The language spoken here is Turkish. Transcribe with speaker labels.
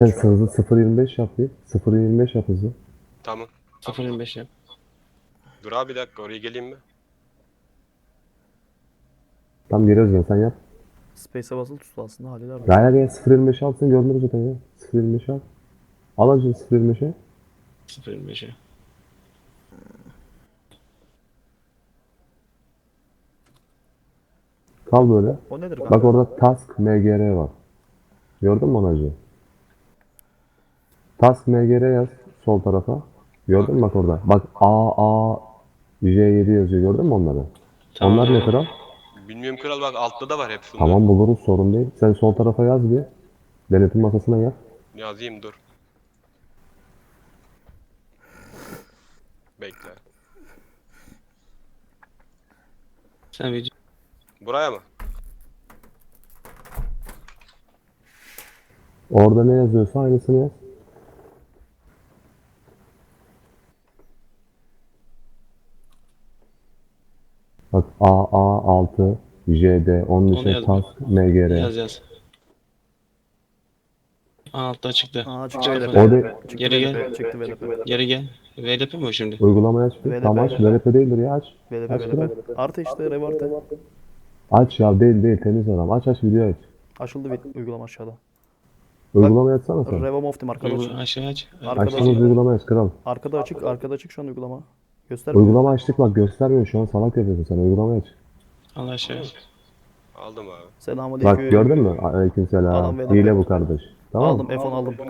Speaker 1: Sen hızlı 0.25 yap bir. 0.25 yap hızlı.
Speaker 2: Tamam.
Speaker 3: 0.25 yap.
Speaker 2: Dur abi bir dakika oraya geleyim mi?
Speaker 1: Tam geri özgün sen yap.
Speaker 4: Space'e basılı tut aslında halleder.
Speaker 1: Gaya gel 0.25 alsın görünür zaten ya. 0.25 al. Al acı 0.25'e.
Speaker 3: 0.25'e.
Speaker 1: Kal böyle.
Speaker 4: O nedir kanka?
Speaker 1: Bak orada Task MGR var. Gördün mü onu acı? Task MGR yaz sol tarafa. Gördün mü bak orada? Bak J7 yazıyor gördün mü onları?
Speaker 3: Tamam.
Speaker 1: Onlar ne kral?
Speaker 2: Bilmiyorum kral bak altta da var hepsinde.
Speaker 1: Tamam buluruz sorun değil. Sen sol tarafa yaz bir. Denetim masasına yaz.
Speaker 2: Yazayım dur. Bekle.
Speaker 3: Sen video.
Speaker 2: Buraya mı?
Speaker 1: Orada ne yazıyorsa aynısını yaz. Bak AA6 JD onun
Speaker 3: Onu
Speaker 1: için
Speaker 3: yaz.
Speaker 1: Task MGR.
Speaker 3: Yaz yaz. Altta çıktı.
Speaker 4: Aa çıktı
Speaker 3: Çıktı
Speaker 4: VLP.
Speaker 3: falan.
Speaker 1: O de
Speaker 4: Çıktı
Speaker 3: Geri gel.
Speaker 4: VLP. Çıktı VLP.
Speaker 3: Geri gel. VLP mi o şimdi?
Speaker 1: uygulamayı aç bir.
Speaker 4: VLP.
Speaker 1: Tamam aç. VLP değildir ya aç.
Speaker 4: VLP
Speaker 1: Aç kral.
Speaker 4: VLP. Artı işte rev artı.
Speaker 1: Aç ya değil temiz adam. Aç video aç.
Speaker 4: Açıldı bir uygulama aşağıda.
Speaker 1: Uygulamayı açsana sen.
Speaker 4: Revom Optim arkada açık.
Speaker 3: Aşağı aç.
Speaker 4: Arkada
Speaker 1: Açtığınız
Speaker 4: açık.
Speaker 1: uygulamayı aç kral.
Speaker 4: Arkada açık. Arkada açık şu an uygulama. Göstermiyor.
Speaker 1: Uygulama açtık bak göstermiyor şu an salak yapıyorsun sen uygulamayı aç.
Speaker 3: Al aşağı.
Speaker 2: Aldım abi.
Speaker 4: Selamünaleyküm.
Speaker 1: Bak gördün mü? Aleykümselam.
Speaker 4: Adam VLP.
Speaker 1: Hile bu kardeş. Tamam mı?
Speaker 4: Aldım F10 aldım.